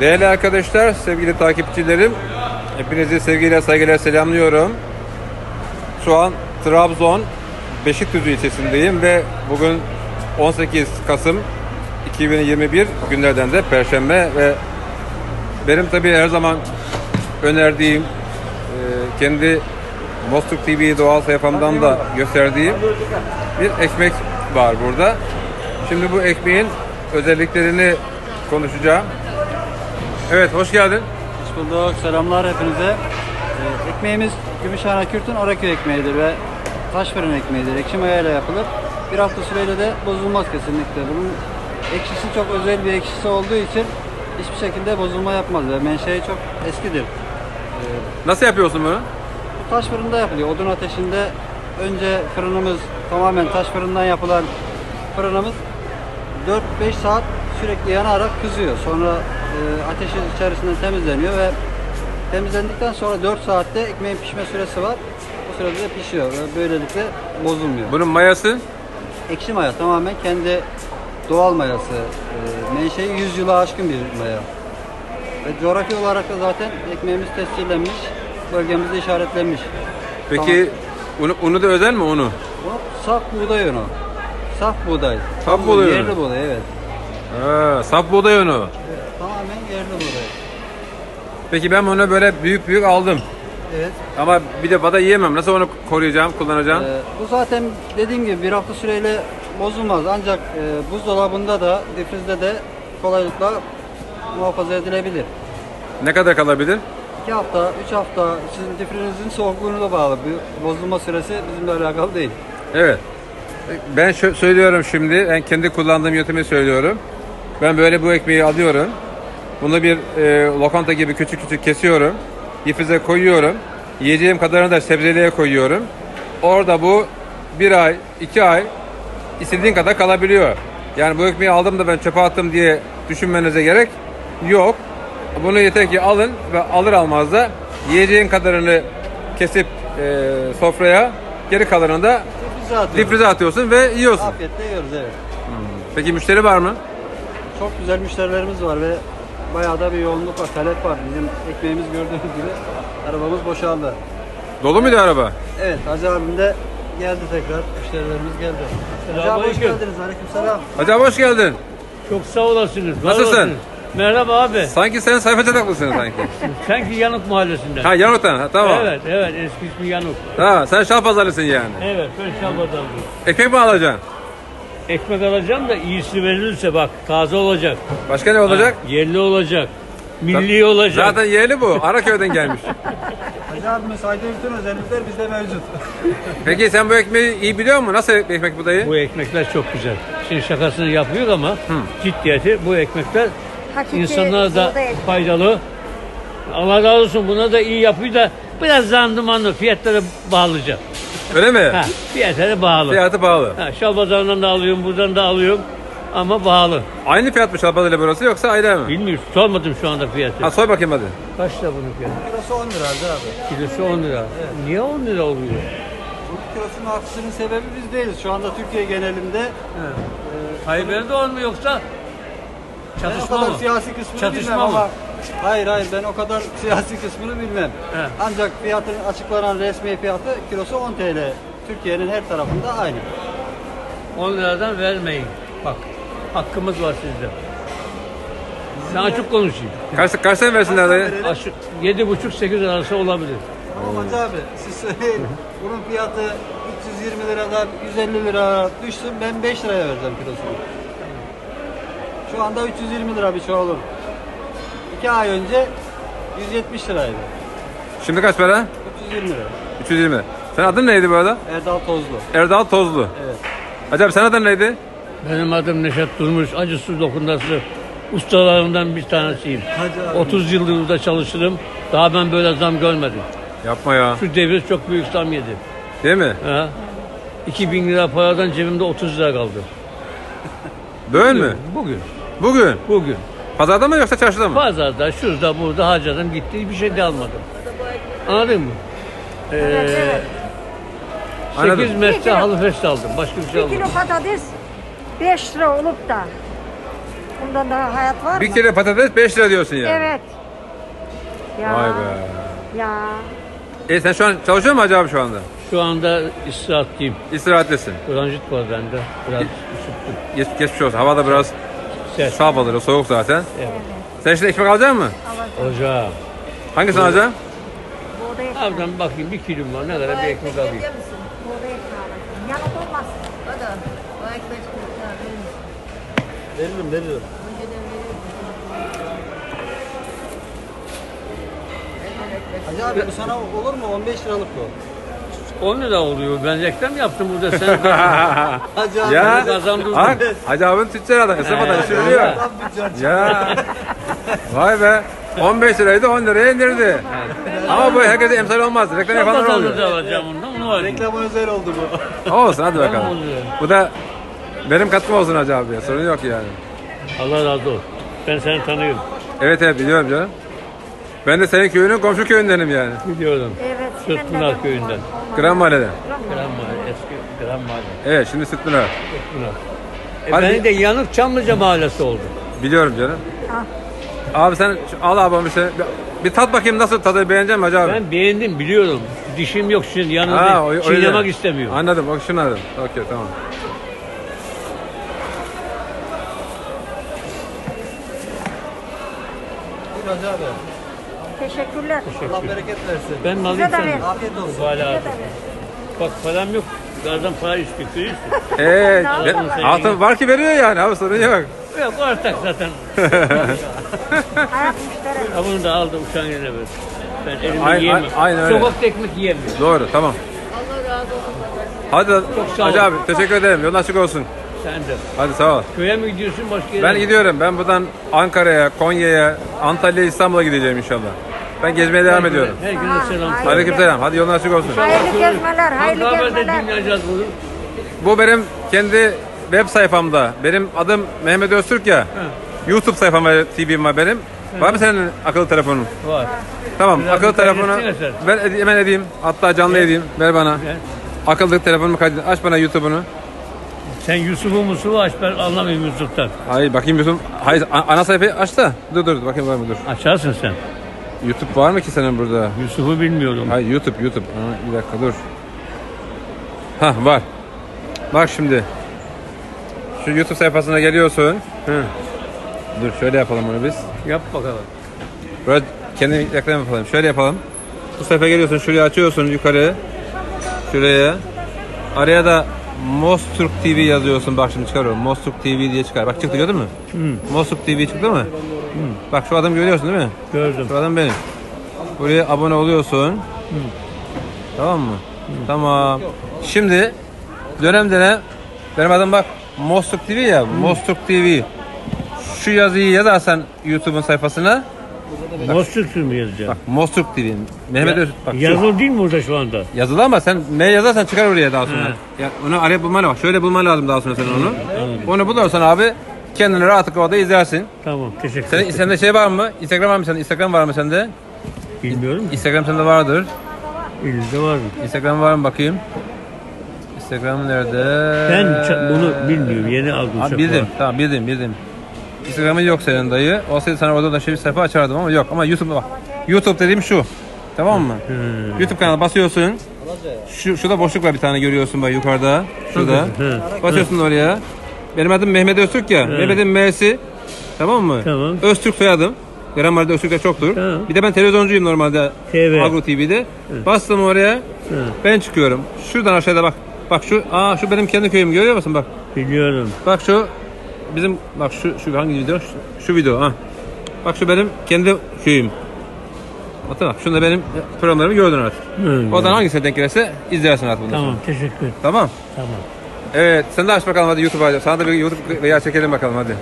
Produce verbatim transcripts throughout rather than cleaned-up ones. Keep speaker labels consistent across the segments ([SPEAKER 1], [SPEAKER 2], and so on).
[SPEAKER 1] Değerli arkadaşlar, sevgili takipçilerim, hepinizi sevgiyle, saygıyla selamlıyorum. Şu an Trabzon Beşikdüzü ilçesindeyim ve bugün on sekiz Kasım iki bin yirmi bir, günlerden de Perşembe ve benim tabii her zaman önerdiğim, kendi Mostuk T V doğal sayfamdan da gösterdiğim bir ekmek var burada. Şimdi bu ekmeğin özelliklerini konuşacağım. Evet, hoş geldin.
[SPEAKER 2] Hoş bulduk. Selamlar hepinize. Ee, ekmeğimiz Gümüşhane Kürt'ün Araköy ekmeğidir ve taş fırın ekmeğidir. Ekşi mayayla yapılır. Bir hafta süreyle de bozulmaz kesinlikle. Bunun ekşisi çok özel bir ekşisi olduğu için hiçbir şekilde bozulma yapmaz ve menşei çok eskidir. Ee,
[SPEAKER 1] Nasıl yapıyorsun bunu?
[SPEAKER 2] bu taş fırında yapılıyor. Odun ateşinde önce fırınımız tamamen taş fırından yapılan fırınımız dört beş saat sürekli yanarak kızıyor. Sonra e, ateşin içerisinden temizleniyor ve temizlendikten sonra dört saatte ekmeğin pişme süresi var. Bu sürede de pişiyor ve böylelikle bozulmuyor.
[SPEAKER 1] Bunun mayası?
[SPEAKER 2] Ekşi maya tamamen kendi doğal mayası. E, menşei yüz yılı aşkın bir maya. Ve coğrafi olarak da zaten ekmeğimiz tescillenmiş, bölgemizde işaretlenmiş.
[SPEAKER 1] Peki unu, unu da özel mi unu?
[SPEAKER 2] Bu saf buğday unu. Saf buğday.
[SPEAKER 1] Saf buğday unu.
[SPEAKER 2] Yerli buğday, evet.
[SPEAKER 1] Ha, saf buğday unu.
[SPEAKER 2] Evet, tamamen yerli buğday.
[SPEAKER 1] Peki ben bunu böyle büyük büyük aldım.
[SPEAKER 2] Evet.
[SPEAKER 1] Ama bir defa da yiyemem. Nasıl onu koruyacağım, kullanacağım?
[SPEAKER 2] Ee, bu zaten dediğim gibi bir hafta süreyle bozulmaz. Ancak e, buzdolabında da, difrizde de kolaylıkla muhafaza edilebilir.
[SPEAKER 1] Ne kadar kalabilir?
[SPEAKER 2] iki hafta, üç hafta sizin difrinizin soğukluğuna da bağlı. Bu bozulma süresi bizimle alakalı değil.
[SPEAKER 1] Evet. Ben şö- söylüyorum şimdi, ben kendi kullandığım yöntemi söylüyorum. Ben böyle bu ekmeği alıyorum. Bunu bir e, lokanta gibi küçük küçük kesiyorum. Difrize koyuyorum. Yiyeceğim kadarını da sebzeliğe koyuyorum. Orada bu bir ay, iki ay istediğin kadar kalabiliyor. Yani bu ekmeği aldım da ben çöpe attım diye düşünmenize gerek yok. Bunu yeter ki alın ve alır almaz da yiyeceğin kadarını kesip e, sofraya, geri kalanını da
[SPEAKER 2] Difrize atıyoruz.
[SPEAKER 1] difrize atıyorsun ve yiyorsun.
[SPEAKER 2] Afiyetle yiyoruz, evet.
[SPEAKER 1] Peki müşteri var mı?
[SPEAKER 2] Çok güzel müşterilerimiz var ve bayağı da bir yoğunluk var, talep var. Bizim ekmeğimiz gördüğünüz gibi arabamız boşaldı.
[SPEAKER 1] Dolu muydu araba?
[SPEAKER 2] Evet, Hacı abim de geldi tekrar. Müşterilerimiz geldi. Hacı abi hoş
[SPEAKER 3] Selamünaleyküm.
[SPEAKER 2] geldiniz. Aleykümselam.
[SPEAKER 1] Hacı abi hoş geldin.
[SPEAKER 3] Çok sağ olasınız. var
[SPEAKER 1] Nasılsın?
[SPEAKER 3] olasınız. Merhaba abi.
[SPEAKER 1] Sanki sen sayfa çataklısın sanki.
[SPEAKER 3] Sanki Yanık Mahallesi'nden.
[SPEAKER 1] Ha Yanuk'tan, ha, tamam.
[SPEAKER 3] Evet, evet. Eski ismi Yanık.
[SPEAKER 1] Tamam, sen Şalpazarlısın yani.
[SPEAKER 3] Evet, ben Şalbazarlıyım.
[SPEAKER 1] Ekmek mi alacaksın?
[SPEAKER 3] Ekmek alacağım da iyisi verilirse bak, taze olacak.
[SPEAKER 1] Başka ne olacak?
[SPEAKER 3] Ha, yerli olacak. Milli olacak.
[SPEAKER 1] Zaten yerli bu. Araköy'den gelmiş.
[SPEAKER 2] Hacı abime saydığı bütün özellikler bizde mevcut.
[SPEAKER 1] Peki sen bu ekmeği iyi biliyor musun? Nasıl ekmek bu dayı?
[SPEAKER 3] Bu ekmekler çok güzel. Şimdi şakasını yapıyor ama ciddiyeti bu ekmekler
[SPEAKER 4] Hakiki
[SPEAKER 3] insanlara da
[SPEAKER 4] buğday ekmeği.
[SPEAKER 3] faydalı. Allah razı olsun, buna da iyi yapıyor da biraz zandımanlı, fiyatları bağlayacak.
[SPEAKER 1] Öyle mi?
[SPEAKER 3] Ha, fiyatları bağlı.
[SPEAKER 1] Fiyatı pahalı.
[SPEAKER 3] Ha, Şalpazarı'ndan da alıyorum, buradan da alıyorum ama bağlı.
[SPEAKER 1] Aynı fiyat mı Şalpazarı ile burası yoksa ayrı mı?
[SPEAKER 3] Bilmiyorum, sormadım şu anda fiyatı.
[SPEAKER 1] Ha soy bakayım hadi.
[SPEAKER 3] Kaç lira bunun fiyatı?
[SPEAKER 2] Kilosu on lira Hacı abi.
[SPEAKER 3] Kilosu on lira. Niye on lira oluyor?
[SPEAKER 2] Bu kilosunun artışının sebebi biz değiliz. Şu anda Türkiye genelinde
[SPEAKER 3] Tayyip Erdoğan mı yoksa
[SPEAKER 2] ben o
[SPEAKER 3] çatışma
[SPEAKER 2] kadar
[SPEAKER 3] mı?
[SPEAKER 2] siyasi kısmını
[SPEAKER 3] Çatışma
[SPEAKER 2] bilmem
[SPEAKER 3] mı?
[SPEAKER 2] ama hayır hayır ben o kadar siyasi kısmını bilmem.
[SPEAKER 3] He.
[SPEAKER 2] Ancak fiyatın açıklanan resmi fiyatı kilosu on T L. Türkiye'nin her tarafında aynı.
[SPEAKER 3] on liradan vermeyin. Bak, hakkımız var sizde. Ben açık konuşayım.
[SPEAKER 1] Kaç, kaç tane versinler dayı?
[SPEAKER 3] Açık, yedi buçuk sekiz arası olabilir.
[SPEAKER 2] Tamam Hacı abi siz söyleyin. Bunun fiyatı üç yüz yirmi liradan yüz elli lira düşsün ben beş liraya vereceğim kilosunu. Şu anda üç yüz yirmi lira bir şey olur. iki ay önce yüz yetmiş liraydı.
[SPEAKER 1] Şimdi kaç para?
[SPEAKER 2] üç yüz yirmi lira.
[SPEAKER 1] üç yüz yirmi. Senin adın neydi bu arada?
[SPEAKER 2] Erdal Tozlu.
[SPEAKER 1] Erdal Tozlu.
[SPEAKER 2] Evet.
[SPEAKER 1] Hacı abi senin adın neydi?
[SPEAKER 3] Benim adım Neşet Durmuş, acısız dokundası ustalarımdan bir tanesiyim.
[SPEAKER 2] Hacı abi.
[SPEAKER 3] otuz yıldır burada çalışırım. Daha ben böyle zam görmedim.
[SPEAKER 1] Yapma ya.
[SPEAKER 3] Şu devir çok büyük zam yedi.
[SPEAKER 1] Değil mi?
[SPEAKER 3] Ha? iki bin lira paradan cebimde otuz lira kaldı.
[SPEAKER 1] Böyle mü?
[SPEAKER 3] Bugün.
[SPEAKER 1] Bugün.
[SPEAKER 3] Bugün.
[SPEAKER 1] Pazarda mı yoksa çarşıda mı?
[SPEAKER 3] Pazarda, şurada, burada harcadım gitti. Bir şey de almadım. Anladın mı? Ee,
[SPEAKER 4] evet.
[SPEAKER 1] Anladım.
[SPEAKER 3] sekiz metre halı fest aldım. Başka bir şey
[SPEAKER 4] Bir
[SPEAKER 3] almadım.
[SPEAKER 4] kilo patates beş lira olup da Bundan daha hayat var
[SPEAKER 1] Bir
[SPEAKER 4] mı?
[SPEAKER 1] kilo patates beş lira diyorsun yani.
[SPEAKER 4] Evet. Ya.
[SPEAKER 1] Vay be.
[SPEAKER 4] Ya.
[SPEAKER 1] E sen şu an çalışıyor musun Hacı abi şu anda?
[SPEAKER 3] Şu anda istirahatteyim.
[SPEAKER 1] İstirahatlesin.
[SPEAKER 3] Transit var bende. Biraz üşüttüm.
[SPEAKER 1] Geç, geçmiş olsun. Hava da biraz
[SPEAKER 3] Ses.
[SPEAKER 1] saf alır. Soğuk zaten.
[SPEAKER 3] Evet.
[SPEAKER 1] Sen şimdi ekmek alacak mısın?
[SPEAKER 3] Ocağı.
[SPEAKER 1] Hangisini alacaksın?
[SPEAKER 4] Buğday ekmeği.
[SPEAKER 3] Abiden bakayım bir kilom var. Ne kadar bir ekmek alayım.
[SPEAKER 4] Buğday ekmeği alacağım. Yanık olmasın.
[SPEAKER 2] Veririm veririm. Hacı abi bu sana olur mu? on beş liralık bu.
[SPEAKER 3] on lira oluyor. Ben reklam yaptım burada. Sen
[SPEAKER 2] Hacı abi.
[SPEAKER 1] Ya
[SPEAKER 3] kazandırdın.
[SPEAKER 1] bak Hacı abinin tüccar adam. Hesap adam. işi biliyor.
[SPEAKER 2] Tam tüccar.
[SPEAKER 1] Ya. Vay be. on beş liraydı on liraya indirdi. Ama bu herkese emsal olmaz. Reklam yapanlar oluyor.
[SPEAKER 3] kazandırdı alacağım ondan. Onu var.
[SPEAKER 2] Reklama özel oldu bu.
[SPEAKER 1] Olsun hadi bakalım.
[SPEAKER 3] oluyor.
[SPEAKER 1] Bu da benim katkım olsun Hacı abi. Sorun yok yani.
[SPEAKER 3] Allah razı olsun. Ben seni tanıyorum.
[SPEAKER 1] Evet evet biliyorum canım. Ben de senin köyünün komşu köyündenim yani.
[SPEAKER 3] Biliyorum.
[SPEAKER 4] Evet.
[SPEAKER 3] Sırtpınar köyünden.
[SPEAKER 1] Gran Mahalle'den.
[SPEAKER 3] Gran Mahalle. Eski Gran Mahalle.
[SPEAKER 1] Evet şimdi Sütpınar.
[SPEAKER 3] Sırtpınar. E
[SPEAKER 1] Hadi.
[SPEAKER 3] beni de Yanık Çamlıca Mahallesi oldu.
[SPEAKER 1] Biliyorum canım.
[SPEAKER 4] Ah.
[SPEAKER 1] Abi sen şu- al abi bir, şey, bir, bir tat bakayım nasıl tadı beğenecek misin Hacı abi?
[SPEAKER 3] Ben beğendim biliyorum. Dişim yok şimdi yanımda.
[SPEAKER 1] Ha, o- öyle.
[SPEAKER 3] Çiğnemek istemiyorum.
[SPEAKER 1] Anladım. Bak şunu anladım. Okey tamam.
[SPEAKER 2] Buyur Hacı abi.
[SPEAKER 4] Teşekkürler.
[SPEAKER 2] Allah bereket versin.
[SPEAKER 3] Ben mi alayım
[SPEAKER 4] Size de
[SPEAKER 3] sen?
[SPEAKER 4] ver.
[SPEAKER 3] mi?
[SPEAKER 2] Afiyet olsun.
[SPEAKER 3] Hala
[SPEAKER 4] Size
[SPEAKER 3] abi.
[SPEAKER 4] de ver.
[SPEAKER 3] Bak param yok. Gardan para istiyor. Görüyorsun.
[SPEAKER 1] Eee
[SPEAKER 4] Altın
[SPEAKER 1] altın var ki veriyor yani abi sorun yok.
[SPEAKER 3] Yok ortak zaten.
[SPEAKER 4] Hayat müşterek.
[SPEAKER 3] Ha bunu da aldım uçağın yerine ver. Ben elimi
[SPEAKER 1] Aynen-
[SPEAKER 3] yiyemem.
[SPEAKER 1] aynen öyle.
[SPEAKER 3] Sokakta ekmek yiyemiyorum.
[SPEAKER 1] Doğru tamam. Hadi
[SPEAKER 3] sağ
[SPEAKER 1] Hacı
[SPEAKER 3] ol.
[SPEAKER 1] abi teşekkür ederim. Yolun açık olsun.
[SPEAKER 3] Sen de.
[SPEAKER 1] Hadi sağ ol.
[SPEAKER 3] Köye mi gidiyorsun başka yere
[SPEAKER 1] Ben
[SPEAKER 3] mi?
[SPEAKER 1] gidiyorum. Ben buradan Ankara'ya, Konya'ya, Antalya'ya, İstanbul'a gideceğim inşallah. Ben gezmeye devam ediyorum.
[SPEAKER 3] Herkese selam.
[SPEAKER 4] Ha,
[SPEAKER 1] Aleykümselam. Hadi yolun açık olsun.
[SPEAKER 4] Hayırlı gezmeler, hayırlı
[SPEAKER 3] Haber'de
[SPEAKER 4] gezmeler.
[SPEAKER 3] dinleyeceğiz bunu.
[SPEAKER 1] Bu benim kendi web sayfamda. Benim adım Mehmet Öztürk ya. YouTube sayfam var, T V'm var benim. Var mı senin akıllı telefonun?
[SPEAKER 3] Var.
[SPEAKER 1] Tamam,
[SPEAKER 3] Biraz
[SPEAKER 1] akıllı
[SPEAKER 3] bir kaydetsene
[SPEAKER 1] telefonu
[SPEAKER 3] sen.
[SPEAKER 1] ben ede- hemen edeyim. Hatta canlı edeyim. Ver bana.
[SPEAKER 3] Gel.
[SPEAKER 1] Akıllı telefonumu kaydet. Aç bana YouTube'unu.
[SPEAKER 3] Sen Yusuf'u Musuf'u aç ben anlamıyorum Yusuf'tan.
[SPEAKER 1] Hayır bakayım YouTube. Hayır a- ana sayfayı aç da. Dur dur bakayım var mı dur.
[SPEAKER 3] Açarsın sen.
[SPEAKER 1] YouTube var mı ki senin burada?
[SPEAKER 3] Yusuf'u bilmiyorum.
[SPEAKER 1] Hayır YouTube YouTube. Ha, bir dakika dur. Hah var. Bak şimdi. Şu YouTube sayfasına geliyorsun. Hı. Dur şöyle yapalım onu biz.
[SPEAKER 3] Yap bakalım.
[SPEAKER 1] Böyle kendi reklam yapalım. Şöyle yapalım. Bu sayfaya geliyorsun. Şuraya açıyorsun yukarı. Şuraya. Araya da Mosturk T V yazıyorsun. Bak şimdi çıkarıyorum. Mosturk T V diye çıkar. Bak çıktı gördün mü?
[SPEAKER 3] Hı.
[SPEAKER 1] Mosturk T V çıktı mı? Hı. Bak şu adamı görüyorsun değil mi?
[SPEAKER 3] Gördüm.
[SPEAKER 1] Şu adam benim. Buraya abone oluyorsun. Tamam mı? Tamam. Şimdi dönem dönem benim adım bak Mosturk T V ya. Mosturk T V. Şu yazıyı yazarsan YouTube'un sayfasına
[SPEAKER 3] Mosturk'u mu yazacağım?
[SPEAKER 1] bak Mosturk T V. Mehmet
[SPEAKER 3] Ya-
[SPEAKER 1] Öz bak şu.
[SPEAKER 3] Yazılı değil mi burada şu anda?
[SPEAKER 1] Yazılı ama sen ne yazarsan çıkar oraya daha sonra.
[SPEAKER 3] He.
[SPEAKER 1] Ya onu araya bulman lazım. Şöyle bulman lazım daha sonra sen onu. Onu bulursan abi kendini rahatlıkla orada izlersin.
[SPEAKER 3] Tamam teşekkür
[SPEAKER 1] Senin
[SPEAKER 3] ederim.
[SPEAKER 1] sende şey var mı? Instagram var mı sende? Instagram var mı sende?
[SPEAKER 3] Bilmiyorum.
[SPEAKER 1] Instagram sende vardır.
[SPEAKER 3] Elinizde var mı?
[SPEAKER 1] Instagram var mı bakayım? Instagram nerede?
[SPEAKER 3] Ben ça- bunu bilmiyorum. Yeni aldım.
[SPEAKER 1] Ha,
[SPEAKER 3] şaka.
[SPEAKER 1] bildim. Tamam bildim bildim. Instagram'ın yok senin dayı. Olsaydı sana orada da şey bir sayfa açardım ama yok. Ama YouTube'da bak. YouTube dediğim şu. Tamam mı?
[SPEAKER 3] Hı.
[SPEAKER 1] YouTube kanalına basıyorsun. Şu şurada boşluk var bir tane görüyorsun bak yukarıda. Şurada.
[SPEAKER 3] Hı.
[SPEAKER 1] Basıyorsun oraya. Benim adım Mehmet Öztürk ya. Mehmet'in M'si. Tamam mı?
[SPEAKER 3] Tamam.
[SPEAKER 1] Öztürk soyadım. Gramer'de Öztürk'ler çoktur.
[SPEAKER 3] Tamam.
[SPEAKER 1] Bir de ben televizyoncuyum normalde.
[SPEAKER 3] T V.
[SPEAKER 1] Agro T V'de. Bastım oraya.
[SPEAKER 3] Hı.
[SPEAKER 1] Ben çıkıyorum. Şuradan aşağıda bak. Bak şu, aa şu benim kendi köyüm görüyor musun bak.
[SPEAKER 3] Biliyorum.
[SPEAKER 1] Bak şu bizim bak şu şu hangi video? Şu, şu video ha. Bak şu benim kendi köyüm. Bak bak şunda benim programlarımı gördün artık.
[SPEAKER 3] Hı.
[SPEAKER 1] Oradan hangisine denk gelirse izlersin artık bundan
[SPEAKER 3] Tamam
[SPEAKER 1] sonra.
[SPEAKER 3] teşekkür ederim.
[SPEAKER 1] Tamam.
[SPEAKER 3] Tamam.
[SPEAKER 1] Evet sen de aç bakalım hadi YouTube'a. Sana da bir YouTube veya çekelim bakalım hadi.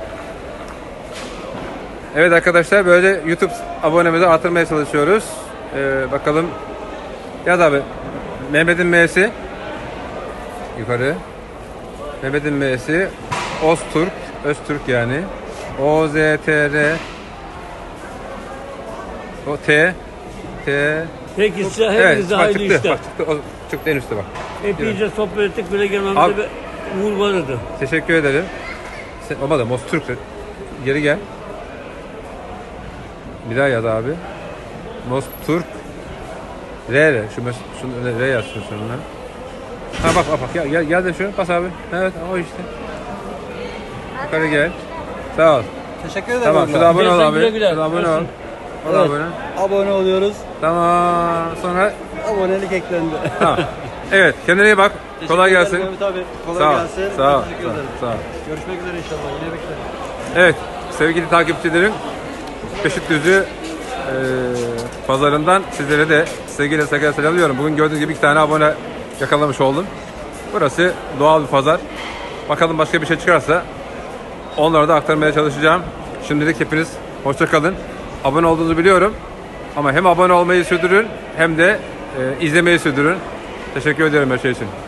[SPEAKER 1] Evet arkadaşlar böyle YouTube abonemizi artırmaya çalışıyoruz. Ee, bakalım. Yaz abi. Mehmet'in M'si. Yukarı. Mehmet'in M'si. Öztürk. Öztürk yani. O Z T R. O T. T.
[SPEAKER 3] Peki size
[SPEAKER 1] Evet
[SPEAKER 3] hepinize
[SPEAKER 1] bak
[SPEAKER 3] hayırlı
[SPEAKER 1] çıktı.
[SPEAKER 3] işler.
[SPEAKER 1] Bak çıktı. O, çıktı en üstte bak.
[SPEAKER 3] Hepinize sohbet ettik. Böyle
[SPEAKER 1] Abi-
[SPEAKER 3] gelmemizde bir uğur vardı.
[SPEAKER 1] Teşekkür ederim. Sen, olmadı Mostürk. Geri gel. Bir daha yaz abi. Most Turk R R. Şu mes şunu R yaz şunu sonuna. Ha bak bak bak gel gel gel de şu bas abi. Evet o işte. Yukarı gel. Sağ ol.
[SPEAKER 2] Teşekkür ederim.
[SPEAKER 1] Tamam
[SPEAKER 2] abla.
[SPEAKER 1] şurada abone ol
[SPEAKER 3] Güle
[SPEAKER 1] abi.
[SPEAKER 3] güle güle.
[SPEAKER 1] Şurada abone ol.
[SPEAKER 3] Olsun.
[SPEAKER 1] O da
[SPEAKER 2] Evet,
[SPEAKER 1] abone.
[SPEAKER 2] abone oluyoruz.
[SPEAKER 1] Tamam. Sonra
[SPEAKER 2] Abonelik eklendi.
[SPEAKER 1] tamam. Evet kendine iyi bak. Kolay
[SPEAKER 2] Teşekkür
[SPEAKER 1] gelsin.
[SPEAKER 2] ederim Mehmet abi. Kolay
[SPEAKER 1] Sağ ol.
[SPEAKER 2] gelsin.
[SPEAKER 1] Sağ ol.
[SPEAKER 2] Teşekkür
[SPEAKER 1] Sağ ol.
[SPEAKER 2] ederim.
[SPEAKER 1] Sağ ol.
[SPEAKER 2] Görüşmek üzere inşallah. Yine bekleriz.
[SPEAKER 1] Evet sevgili takipçilerim Beşikdüzü e, pazarından sizlere de sevgiyle saygıyla selamlıyorum. Bugün gördüğünüz gibi iki tane abone yakalamış oldum. Burası doğal bir pazar. Bakalım başka bir şey çıkarsa onları da aktarmaya çalışacağım. Şimdilik hepiniz hoşça kalın. Abone olduğunuzu biliyorum. Ama hem abone olmayı sürdürün hem de e, izlemeyi sürdürün. Teşekkür ederim her şey için.